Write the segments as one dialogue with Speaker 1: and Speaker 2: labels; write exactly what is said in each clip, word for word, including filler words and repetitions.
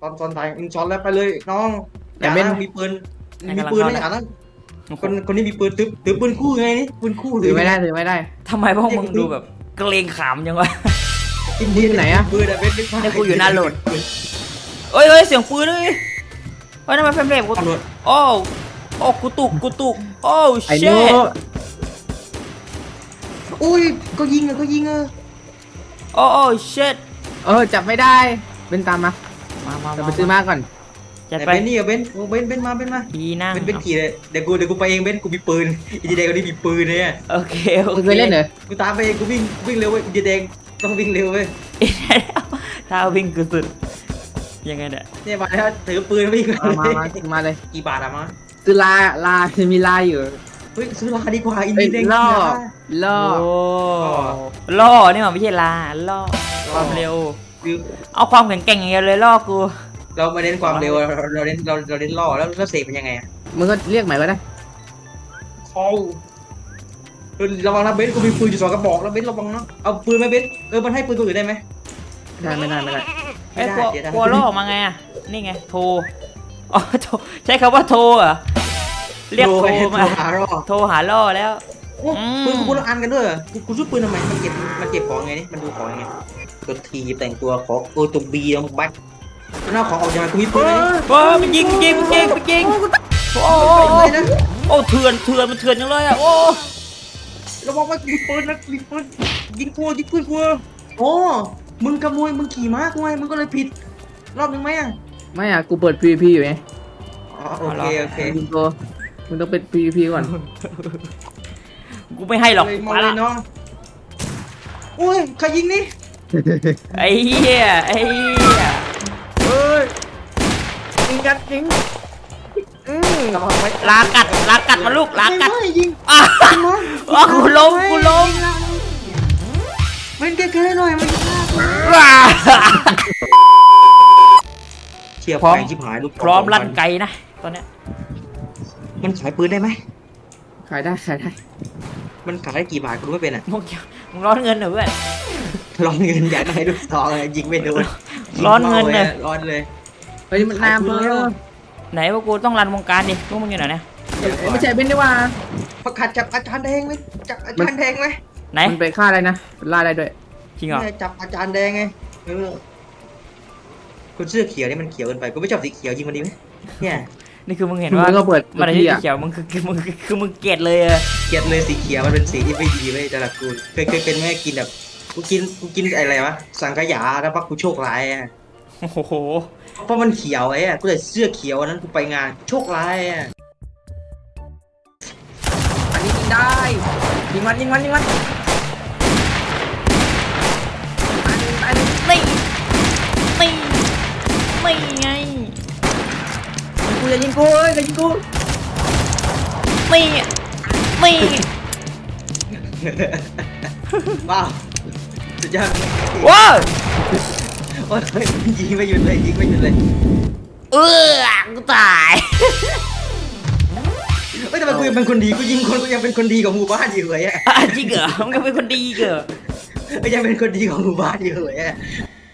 Speaker 1: ตอนตอนตายมึงซ้อนแล้วไปเลยน้องอย่านะมีปืนมีปืนไม่อย่านะคนคนนี้มีปืนตึ๊บตึ๊บปืนคู่ไงนี่ปืนคู่
Speaker 2: ถือไม่ได้ถือไม่ได้
Speaker 3: ทำไมพวกมึงดูแบบเกรงขามจังวะ
Speaker 1: อินเดียไหนอะปืนอะเป็น
Speaker 3: นี่กูอยู่หน้าโหลดเอ้ยเอ้ยเสียงปืนเลยเฮ้ยนั่นมันเฟรมเรทกูโอ้โอ้กูตุกกูตุกโอ้เชท
Speaker 1: อุ้ยก็ยิงอะก็ยิงอะ
Speaker 3: โอ้โอ้เชท
Speaker 2: เออจับไม่ได้เป็นตามมา
Speaker 3: มามา
Speaker 2: จะไปซื้อมาก่อน
Speaker 1: จัดไปนี่อะเบนเบนเบนมาเบนมา
Speaker 3: ดีนะ
Speaker 1: เบนเบนขี่เลยเดี๋ยวกูเดี๋ยวกูไปเองเบนกูมีปืนอีดีแดงคนนี้มีปืนเลยอะ
Speaker 3: โอเคโอเค
Speaker 2: เคยเล่นเหรอ
Speaker 1: กูตามไปเองกูวิ่งวิ่งเร็วเว้ยอีดีแดงต้องวิ่งเร็วเว้ย
Speaker 3: ถ้าวิ่งกูสุดยังไงเนี่ย
Speaker 1: เนี่ยมาแล้วถือปืนวิ่ง
Speaker 2: มามามาเลย
Speaker 1: กี่บาทอะมา
Speaker 2: ซื้อลาลาจะมีลาอยู่
Speaker 1: เฮ้ยซื้อลาดีกว่าอินดีแดง
Speaker 2: ล่อล่อ
Speaker 3: ล่อนี่มันไม่ใช่ลาล่อความเร็วเอาความแข็งแกร่งอย่างเดียวเลยล่อกู
Speaker 1: เราไม่เน้นความเร็วเราเน้นเราเราเน้นล่อแล้วแล้วเสกเป็นยังไงอะ
Speaker 2: มึงก็เรียกใหม่ก็ได้
Speaker 1: เขาระวังนะเบนกูมีปืนอยู่สองกระบอกแล้วเบนระวังนะเอาปืนไหมเบนเออมันให้ปืนตัวอื่นได้ไหม
Speaker 2: ได้ไม่ได้ไม่ได้
Speaker 3: ไอ้กลัวกลัวล่อมาไงอ่ะนี่ไงโทรอ๋อโทรใช้คำว่าโทรอ่ะเรียกโทรมาโทรหาล่อแล้ว
Speaker 1: ปืนกูคนละอันกันด้วยกูกูซื้อปืนทำไมมันเก็บมันเก็บของไงนี่มันดูของไงตัวทีแต่งตัวของโอตัวบีแล้วมันบั๊กหน้าของออกยังไงกูมีปืน
Speaker 3: โอ้มันยิงยิงยิงยิงโอ้โอ้เถื่อนเถื่อนมันเถื่อนจังเลยอ่ะโอ้
Speaker 1: ระวังว่ามีปืนนะมีปืนยิงกูยิงปืนกูโอ้มึงขโมยมึงขี่ม้ากูไงมึงก็เลยผิดรอบนึงไหมอ่ะ
Speaker 2: ไม่อ่ะกูเปิด พี วี พี อยู่ไง
Speaker 1: อ๋อโอเคโอเค
Speaker 2: มึงตัวมึงต้องเป็น พี วี พี ก่อน
Speaker 3: กูไม่ให้หรอก
Speaker 1: มาเลยน้องโอ้ยใครยิงนี่
Speaker 3: ไอ้เหี้ยไอ้เหี้ย
Speaker 2: เฮ้ยยิงกันยิง
Speaker 3: ลากัดลากัดมาลูกลากัด
Speaker 1: ยิง
Speaker 3: อ่ะกูล้มกูล้ม
Speaker 1: มันแก้ๆหน่อยมันเชียร์พร้อมชิบหายลูก
Speaker 3: พร้อมลั่นไกนะตอนเนี้ย
Speaker 1: มันขายปืนได้ไหม
Speaker 2: ขายได้ขายได้
Speaker 1: มันขายได้กี่บาทกูไม่เป็นอ่ะ
Speaker 3: มึงมึงร้อนเงินเหรอเพื่อน
Speaker 1: ร้อนเงินอยากได้ลูกซองยิงไม่โดน
Speaker 3: ร้อนเงินเลย
Speaker 1: ร้อนเลย
Speaker 2: เฮ้ยมันนานเพิ่ม
Speaker 3: ไหนพวกกูต้องรันวงการดิพวกมึงอยู่ไหนเนี่ย
Speaker 2: ไม่ใช่เป็นดีว่า
Speaker 1: ประกาศจับอาจารย์แดงไหมจับอาจารย์แดงไหม
Speaker 3: ไหน
Speaker 2: มันไปฆ่าอะไรนะล่าได้ด้วย
Speaker 3: จริงเหรอ
Speaker 1: จับอาจารย์แดงไงเออคุณเสื้อเขียวนี่มันเขียวเกินไปกูไม่ชอบสีเขียวจริงมันดีไหมเนี่ย
Speaker 3: นี่คือมึงเห็นว่า
Speaker 2: ก็เปิด
Speaker 3: มันสีเขียวมึงคือคือมึงคือมึงเกลียดเลยอะ
Speaker 1: เกลียดเลยสีเขียวมันเป็นสีที่ไม่ดีเว้ยแต่ละกูเคยเคยเป็นแม่กินแบบกูกินกูกินอะไรวะสังขยาแล้วพักกูโชคร้ายอ่ะ
Speaker 3: โอ้โห
Speaker 1: เพราะมันเขียวไอ้อะกูเลยเสื้อเขียวนั้นกูไปงานโชคร้ายอ่ะ
Speaker 2: อันนี้ยิงได้ยิงมันยิงมันยิงมัน
Speaker 3: ไม่ไม่ไม่ไง
Speaker 2: กูจะยิงกูเอ้ยจะยิงกู
Speaker 3: ไม่ไม่
Speaker 1: ว้าวสุดยอด
Speaker 3: ว้าว
Speaker 1: โอ้ยยิงไม่หยุดเลยยิงไม่หยุดเลย
Speaker 3: เออกูตาย
Speaker 1: เฮ้ยแต่กูยังเป็นคนดีกูยิงคนกูยังเป็นคนดีของหมู่บ้านอยู่เลยอ่ะ
Speaker 3: จริงเหรอมึงยังเป็นคนดีเหรอ
Speaker 1: ก็ยังเป็นคนดีของหมู่บ้านอยู่เลยอ่ะ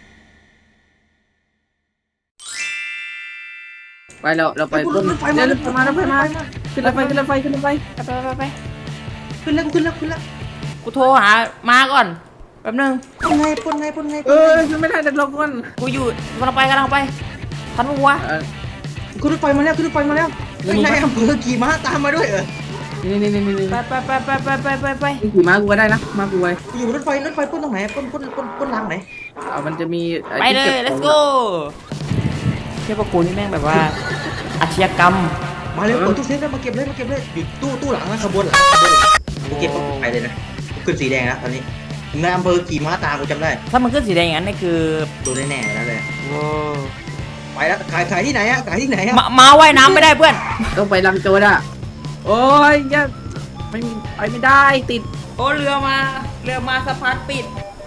Speaker 2: ไปเราเราไปรถไฟมารถไฟมารถไฟมาขึ้นรถไฟขึ้นรถไฟขึ้นรถไฟ
Speaker 3: ไปไปไป
Speaker 1: ขึ้นแล้วขึ้นแล้วขึ้นแล้ว
Speaker 3: กูโทรหามาก่อนแป๊บนึง
Speaker 1: ปุ่นไงปุ่นไงปุ่นไง
Speaker 2: เออขึ้นไม่ได้เด็ดลงก่อน
Speaker 3: กูอยู่กำลังไปกำลังไปทันมั้วะ
Speaker 1: ขึ้นรถไฟมาแล้วขึ้นรถไฟมาแล้วนายอำเภอขี่ม้าตามมาด้วยเหรอ
Speaker 2: นี่นี่นี่นี่
Speaker 3: ไปไปไปไปไปไปไปไป
Speaker 2: ขี่ม้ากูก็ได้นะม้ากูไว้
Speaker 1: อยู่รถไฟรถไฟปุ่นตรงไหนปุ่นปุ่นปุ่นปุ่นรางไหน
Speaker 2: เอามันจะมี
Speaker 3: ไปเลย let's go เชื่อพวกกูนี่แม่งแบบว่าอาชญากรรม
Speaker 1: มาเร็วเปิดตู้เซฟแล้วมาเก็บเลยมาเก็บเลยอยู่ตู้ตู้หลังนะขบวนหลังขบวนหลังกูเก็บไปเลยนะขึ้นสีแดงนะตอนนี้นายอำเภอขี่ม้าตามกูจำได้
Speaker 3: ถ้ามันขึ้นสีแดงอย่างนั้นนี่คือ
Speaker 1: ตัวแน่ๆแล้วเลย
Speaker 3: โอ้
Speaker 1: ไปแล้วขายขายที่ไหนอะขายที่ไหนอะ
Speaker 3: มาว่ายน้ำไม่ได้เพื่อน
Speaker 2: ต้องไปลังโจดอะโอ้ยยังไม่ไปไม่ได้ติด
Speaker 3: โอ้เรือมาเรือมาสะพานปิด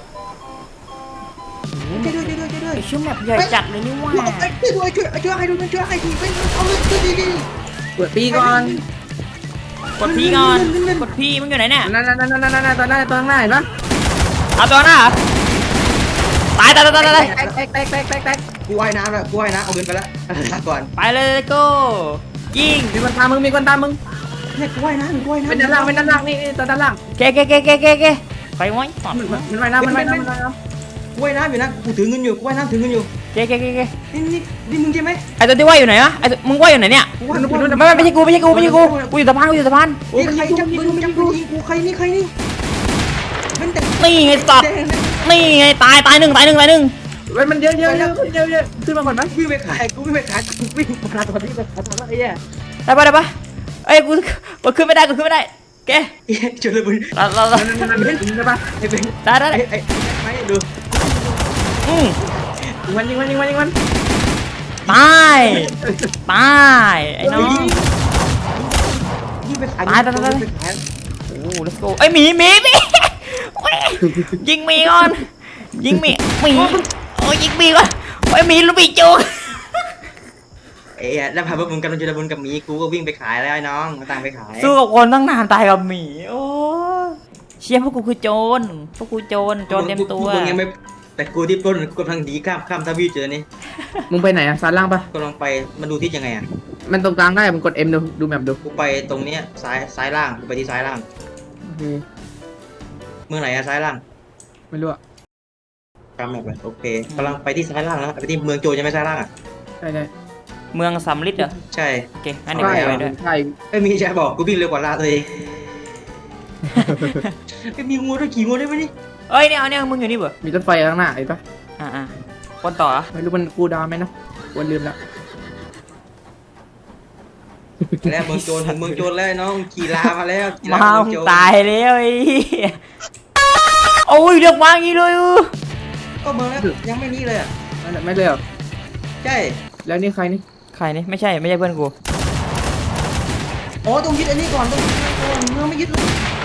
Speaker 1: ช่วยด้วยช่วยด้วยช่วยด้วย
Speaker 3: ชื่อแบบใหญ่จัดเลยนี่ว่า
Speaker 1: ช่วยด้วยช่วยช่วยให้ดูช่วยให้ดูไปเอาเลยช่วยดี
Speaker 2: กดปีก่อน
Speaker 3: กดพีก่อนกดพีมึงอยู่ไหนเนี่ย
Speaker 2: นั่นนั่นนั่นนั่นนั่นตอนหน้าตอนหน้าเห็นปะ
Speaker 3: เอาตัวหน้าตายตายตายตาย
Speaker 2: แตกแตกแตกแตกแตก
Speaker 1: กูกูว่ายน้ำแล้วกูว่ายน้ำเอาเงินไปแล้วลาก่อน
Speaker 3: ไปเลยโก้ยิง
Speaker 2: มีคนตามมึงมีคนตามมึง
Speaker 1: เนี่ยกูว่ายน้ำกูว่ายน้ำ
Speaker 2: เป็นด้านล่างเป็นด้านล่างนี่นี่ตัวด้านล่าง
Speaker 3: เกเกเกเกเกเกไปไว้ก่อน
Speaker 2: มันมันว่ายน้ำมันว่ายน้ำมันว่ายน้
Speaker 1: กูว่ายน้ำอยู่นะกูถือเงินอยู่กูว่ายน้ำถือเงินอยู่
Speaker 3: เกเกเกเก
Speaker 1: นี่นี่นี่มึงใช่ไหม
Speaker 3: ไอตัวที่ว่ายอยู่ไหนวะไอตัวมึงว่ายอยู่ไหนเนี่ย
Speaker 1: กูว่ายน้ำ
Speaker 3: ไม่ไม่ไม่ใช่กูไม่ใช่กูไม่ใช่กูกูอยู่สะพานกูอยู่สะพาน
Speaker 1: นี่ใครจับปืนจับปืนยิงกูใครนี่ใครนี่เป็นแต่
Speaker 3: นี่ไงสัตว์
Speaker 1: แดง
Speaker 3: นี่ไงตายตายหนึ่งตายหนึ่งตายหนึ่ง
Speaker 2: ำเว้ยมันเยอะเยอะเยอะเยอะเยอะขึ้นมาก่อนไหม
Speaker 1: วิ่งไปขายกูวิ่งไปขายกูวิ่งมาตอนนี้ไปขายตอนนี้ไอ้แย่
Speaker 3: ได้ปะได้ปะเอ้ยกูกูขึ้นไม่ได้กูขึ้นไม่ได้แก
Speaker 1: ไอ้จุลบุญ
Speaker 3: เราเราเรา
Speaker 2: มันมันมันใช่ปะ
Speaker 1: ไอ้เป็น
Speaker 3: ได้ได้
Speaker 1: ไอ้
Speaker 3: ได้
Speaker 1: ไอ้ไม่ดู
Speaker 3: อืม
Speaker 2: ยิงมันยิงมันยิงมันยิงมัน
Speaker 3: ตายตายไอ้น้อง
Speaker 1: วิ่งไปขาย
Speaker 3: ตายตายตาย
Speaker 1: ไปขาย
Speaker 3: โอ้ let's go เอ้ยหมีหมีหมีเว้ยยิงหมีก่อนยิงหมีหมีโอ้ยยิงหมีก่อนไอ้ยหมีลูกหมีจุก
Speaker 1: เอ้ยแล้วพาพวกมึงกันจุลบุญกับหมีกูก็วิ่งไปขายแล้วไอ้น้องมาตังไปขาย
Speaker 3: สู้กับคนตั้งนานตายกับหมีโอ้เชี่ยพวกกูคือโจรพวกกูโจรโจรเต็มตัว
Speaker 1: มึงยังไม่แต่กูที่ปล้นกูกำลังดีข้ามข้ามทวีปเจอนี่
Speaker 2: มึงไปไหนอ่ะซ้ายล่างปะ
Speaker 1: กำลังไปมันดูที่ยังไงอ่ะ
Speaker 2: มันตรงกลางได้มึงกด M ดูดูแมปดู
Speaker 1: กูไปตรงเนี้ยซ้ายซ้ายล่างกูไปที่ซ้ายล่าง
Speaker 2: โอเค
Speaker 1: เมืองไหนอะซ้ายล่าง
Speaker 2: ไม่รู้อ่ะ
Speaker 1: ตามแมปเลยโอเคกำลังไปที่ซ้ายล่างแล้วไปที่เมืองโจรใช่ไหมซ้ายล่างอ่ะ
Speaker 2: ใช่ใช่
Speaker 3: เมืองสำลิดเหรอ
Speaker 1: ใช่
Speaker 3: โอเคงั้นเดี๋ยว
Speaker 2: ใช่
Speaker 3: กูไปด้วย
Speaker 2: ใช่
Speaker 1: ไอ้ยมีใช่บอกกูวิ่งเร็วกว่าลาตัวเองไอ้ยมีงูด้วยขี่งูได้ไหมนี่
Speaker 3: เอ้ยเนี่ยเอาเนี่ยมึงอยู่นี่เปล่า
Speaker 2: มีรถไฟข้างหน้าไอ้ปะ
Speaker 3: อ่าอ่าคนต่อเหรอ
Speaker 2: ไม่รู้มันกูดาวไหมนะวันลืมแล้ว
Speaker 1: แล้วเมืองโจรถึงเมืองโจรแล้วไอ้น้องขี่ลามาแล้วขี่ลา
Speaker 3: มา
Speaker 1: เมืองโจร
Speaker 3: ตายแล้วไอ้เหี้ยโอ้ยเดือดมากอย่างนี้เลยอู้
Speaker 1: ก็เมืองแล้วยังไม่นี่เลยอ่ะ
Speaker 2: ไม่ไม่เลยเหรอ
Speaker 1: ใช่
Speaker 2: แล้วนี่ใครนี่
Speaker 3: ใครนี่ไม่ใช่ไม่ใช่เพื่อนกู
Speaker 1: อ๋อต้องยึดอันนี้ก่อนต้องยึดอันนี้ก่อนเมืองไม่ยึดเลย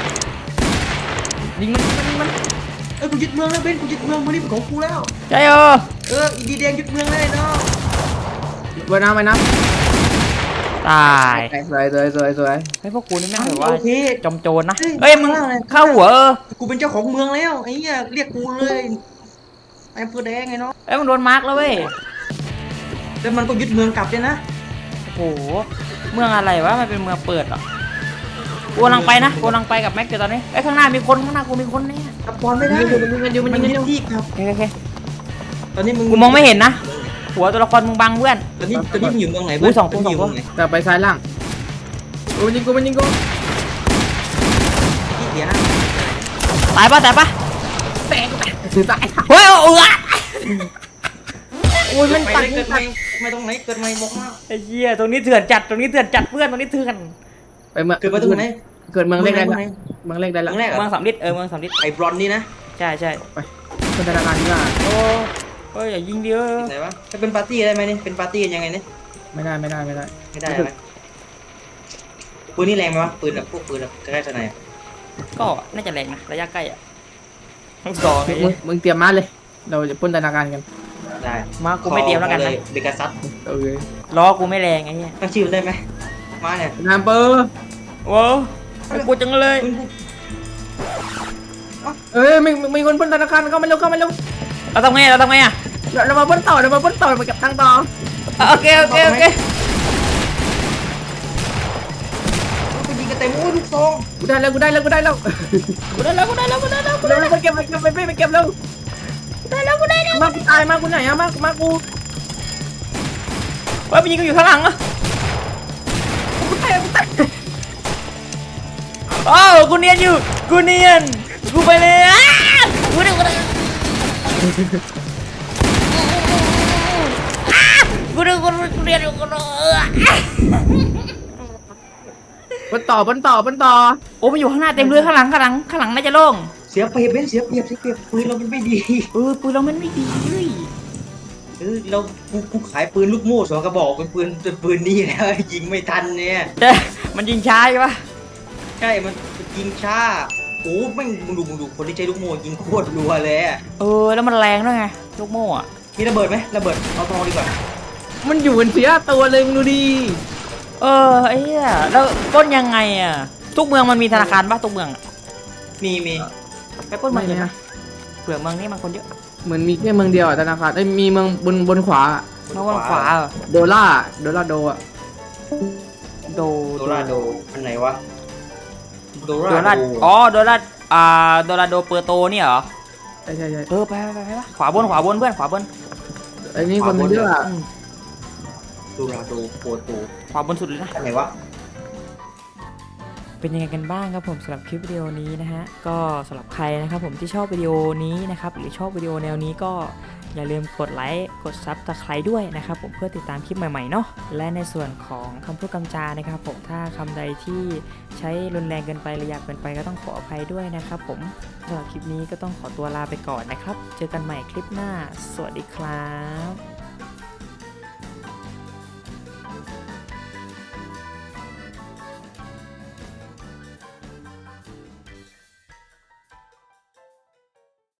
Speaker 2: ยิงมันยิงมันยิงมัน
Speaker 1: เออกูยึดเมืองแล้วเบนกูยึดเมืองเมืองนี้เป็นของกูแล้ว
Speaker 3: ใช่เออ
Speaker 1: เอออีดีแดงยึดเมืองเลยเนาะ
Speaker 2: เวยน้ำไปน้
Speaker 3: ตาย
Speaker 2: ำสวยสวยสวยสวย
Speaker 3: ไอ้ยพวกกูนี่แม่งแบบว่า
Speaker 1: โอเค
Speaker 3: จอมโจรนะ
Speaker 1: เฮ้ย
Speaker 3: เฮ้ยมึง
Speaker 1: ข้างล่างเลย
Speaker 3: เข้าหัวเออ
Speaker 1: กูเป็นเจ้าของเมืองแล้วไอ้เหี้ยเรียกกูเลยไอ้อำเภอแดงไงเนาะ
Speaker 3: เอ้ยมึงโดนมาร์กแล้วเว้ย
Speaker 1: แล้วมันก็ยึดเมืองกลับด้วยนะ
Speaker 3: โอ้โหเมืองอะไรวะมันเป็นเมืองเปิดเหรอกูกำลังไปนะกูกำลังไปกับแม็กเดี๋ยวตอนนี้ไอ้ยข้างหน้ามีคนข้างหน้ากูมีคนเนี่ย
Speaker 1: กลับก่อนไม่ได้
Speaker 2: มันยิงกันอยู่มัน
Speaker 1: มัน
Speaker 2: ยิงกัน
Speaker 1: ยึ
Speaker 2: อ
Speaker 1: ด
Speaker 2: ยู่
Speaker 1: ที่ครับ
Speaker 3: โอเคโอเค
Speaker 1: ตอนนี้มึง
Speaker 3: กูมองไม่เห็นนะหัวตัวละครมึงบังเพื่อน
Speaker 1: ตอนนี้ตอนนี้มึงอยู่เมืองไหน
Speaker 3: อุ้ยสองคน
Speaker 1: ตนนี้
Speaker 3: สองคน
Speaker 1: ยู่เมืไห
Speaker 2: แต่ไปซ้ายล่างโอ้ยยิงกูมันยิงกู
Speaker 1: ที่เสียนะ
Speaker 3: ตายปะตายปะ
Speaker 2: แตกถือตาย
Speaker 3: เฮ้ยเอาเออ
Speaker 2: โอ้ยมัน
Speaker 1: ไป
Speaker 2: ตัด
Speaker 1: เลยเกิดใหม่ไม่ตรงไหนเกิดใหม่บอกมา
Speaker 3: ไอ้เหี้ยตรงนี้เถื่อนจัดตรงนี้เถื่อนจัดเพื่อนตรงนี้เถื่อน
Speaker 2: ไปเมือง
Speaker 1: เกิดมาตรงไหน
Speaker 2: เกิดเมืองเล็กได้
Speaker 1: เมื
Speaker 2: ละ
Speaker 1: องไหน
Speaker 2: เมืองเล็กได้ละ
Speaker 1: เมืองแรก
Speaker 3: เมืองสามลิดเออเมืองสามลิด
Speaker 1: ไอ้บรอนนี่นะ
Speaker 3: ใช่ใช่
Speaker 2: คนธนาคารนี่ว่า
Speaker 3: โอ้เฮ้ยอย่ายิงดิเออ
Speaker 1: ไหนวะจะเป็นปาร์ตี้ได้ไหมเนี่ยเป็นปาร์ตี้กันยังไงเนี่ย
Speaker 2: ไม่ได้ไม่ได้ไม่ได้
Speaker 1: ไม่ได้ไหมปืนนี่แรงไหมวะปืนแบบพวกปืนแบบใกล้ๆทนาย
Speaker 3: ก็น่าจะแรงนะระยะใกล้อะทั้งสองไอ้
Speaker 2: มึงมึงเตรียมมาเลย เราจะปล้นธนาคารกัน
Speaker 1: ได้
Speaker 3: มากูไม่เตรียมแล้วกันนะ
Speaker 1: เบกาซัส
Speaker 2: โอเค
Speaker 3: ล้อกูไม่แรงไอ้เหี้ย
Speaker 1: ตั้งชื่อมันได้ไหมมาเนี่ย
Speaker 2: นามเปอร์
Speaker 3: โว้กูจังเลย
Speaker 1: ปืนกู
Speaker 2: เอ้ยมีมีคนปล้นธนาคารเข้ามาเร็วเข้ามาเร็ว
Speaker 3: เราทำไงเราทำไงอะ
Speaker 2: เราเรามาปล้นต่อเรามาปล้นต่อมาเก็บตังค์ต่อ
Speaker 3: โอเคโอเคโอเค
Speaker 1: กูยิงกันเต็มโอ้ยลูกซอง
Speaker 2: กูได้แล้วกูได้แล้วกูได้แล้ว
Speaker 3: กูได้แล้วกูได้แล้วกูได้แล้วกู
Speaker 2: เร็
Speaker 3: ได้
Speaker 2: ว
Speaker 3: แล้ว
Speaker 2: ไปเก็บไปเก็บไปไปเก็บเร็ว
Speaker 3: ได้แล้วกูได้แล้ว
Speaker 2: มากูตายมากูไหนอะมามากู
Speaker 3: เฮ้ยมันยิงกูอยู่ข้างหลังอะ
Speaker 2: กูตายกูตาย
Speaker 3: อ้าวกูเนียนอยู่กูเนียนกูไปเลยอ้ากูได้กูได้กูได้กูกูเนียนอยู่กูได้
Speaker 2: ปล้นต่อปล้นต่อปล้นต่อ
Speaker 3: โอ้มันอยู่ข้างหน้าเต็มเลยข้างหลังข้างหลังข้างหลังน่าจะโล่ง
Speaker 1: เสียเปรียบเป็นเสียเปรียบเสียเปรียบปืนเรามันไม่ดี
Speaker 3: เออปืนเรามันไม่ดีเลย
Speaker 1: เออเรากูกูขายปืนลูกโม่สองกระบอกเป็นปืนเป็นปืนนี่แล้ว ยิงไม่ทันเนี่ย
Speaker 3: แต่มันยิงช้าใช่ปะ
Speaker 1: ใช่มันยิงช้าโอ้แม่งมึงดูมึงดูคนที่ใช้ลูกโม่ยิงโคตรรัวเลยอะ
Speaker 3: เออแล้วมันแรงด้วยไงลูกโม่อะ
Speaker 1: มีระเบิดไหมระเบิดเอาทองดีกว่า
Speaker 2: มันอยู่บนเสียตัวเลยมึงดูดิ
Speaker 3: เออไอ้เหี้ยแล้วปล้นยังไงอะทุกเมืองมันมีธนาคารปะทุกเมืองอะ
Speaker 1: มีมี
Speaker 3: ไปปล้นเมืองเลยนะเผื่อเมืองนี้มันคนเยอะ
Speaker 2: เหมือนมีแค่เมืองเดียวอะธนาคารเอ้ยมีเมืองบนบนขวา
Speaker 3: มาวนขวาเหรอ
Speaker 2: โดล่าโดล่าโดอะ
Speaker 3: โด
Speaker 1: โดราโดอันไหนวะโด
Speaker 3: โด
Speaker 1: รา
Speaker 3: รา
Speaker 1: โด
Speaker 3: อ๋อโดราอ่าโดราโดเปอร์โตเนี่ยเหรอ
Speaker 2: ใช่ใช่ใช่
Speaker 3: เออไปไปไปไปขวาบนขวาบนเพื่อนขวาบน
Speaker 2: ไอ้นี่คนมันเยอะอะ
Speaker 1: โดราโดโปโต
Speaker 3: ขวาบนสุดเลยนะ
Speaker 1: อันไหนวะ
Speaker 3: เป็นยังไงกันบ้างครับผมสำหรับคลิปวิดีโอนี้นะฮะก็สำหรับใครนะครับผมที่ชอบวิดีโอนี้นะครับหรือชอบวิดีโอแนวนี้ก็อย่าลืมกดไลค์กดซับสไครต์ด้วยนะครับผมเพื่อติดตามคลิปใหม่ๆเนาะและในส่วนของคำพูดคำจานะครับผมถ้าคำใดที่ใช้รุนแรงเกินไปหรือหยาบเกินไปก็ต้องขออภัยด้วยนะครับผมสำหรับคลิปนี้ก็ต้องขอตัวลาไปก่อนนะครับเจอกันใหม่คลิปหน้าสวัสดีครับ